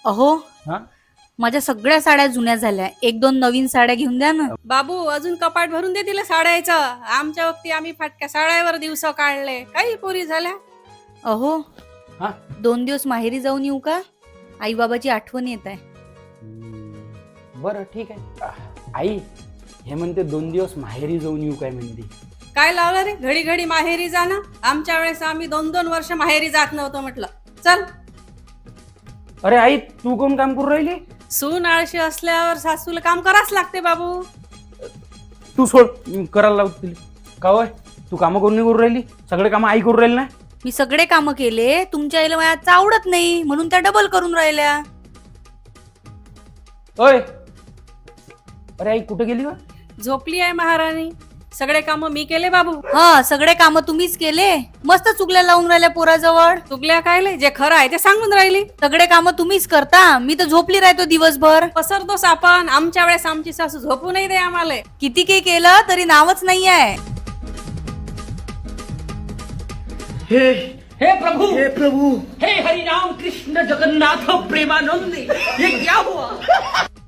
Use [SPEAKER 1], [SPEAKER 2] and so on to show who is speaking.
[SPEAKER 1] अहो,
[SPEAKER 2] हा
[SPEAKER 1] माझ्या सगळ्या साड्या जुन्या झाल्या, एक दोन नवीन साड्या घेऊन द्या ना.
[SPEAKER 3] बाबू अजून कपाट भरून दे तिला साड्याचं. आमच्या वक्ती आम्ही फाटक्या साड्यावर दिवस काढले, काही पोरी झाल्या.
[SPEAKER 1] अहो,
[SPEAKER 2] हा
[SPEAKER 1] 2 दिवस माहेरी जाऊन येऊ का? आई बाबाची आठवण येत आहे.
[SPEAKER 2] बरं ठीक आहे. आई हे म्हणते 2 दिवस माहेरी जाऊन येऊ काय म्हणते.
[SPEAKER 3] काय लावलं रे घडी घडी माहेरी जाणं? आमच्या वेळेस आम्ही 2-2 वर्ष माहेरी जात नव्हतो म्हटलं. चल.
[SPEAKER 2] अरे आई तू कोण काम करू राहिली.
[SPEAKER 3] सून आळशी असल्यावर सासूला काम करावंच लागते बाबू.
[SPEAKER 2] तू सोड करायला लावतील का होय. तू कामं करून नाही करू राहिली. सगळे कामं आई करू राहिली ना.
[SPEAKER 1] मी सगळे कामं केले, तुमच्या आईला माझ्या आवडत नाही म्हणून त्या डबल करून राहिल्या.
[SPEAKER 2] ओय अरे आई कुठे गेली का.
[SPEAKER 3] झोपली आहे महाराणी. सगळे काम मी केले बाबू.
[SPEAKER 1] हा, सगळे कामं तुम्हीच केले. मस्त चुगल्या लावून राहिल्या पोराजवळ.
[SPEAKER 3] चुकल्या कायले, जे खरं आहे ते सांगून राहिली.
[SPEAKER 1] सगळे कामं तुम्हीच करता, मी तर झोपली राहतो दिवसभर.
[SPEAKER 3] पसरतोस आपण. आमच्या वेळेस आमची सासू झोपू नाही दे आम्हाला.
[SPEAKER 1] किती काही केलं तरी नावच नाही आहे.
[SPEAKER 4] हे प्रभु हे हरि राम कृष्ण जगन्नाथ प्रेमानंद ये क्या हुआ।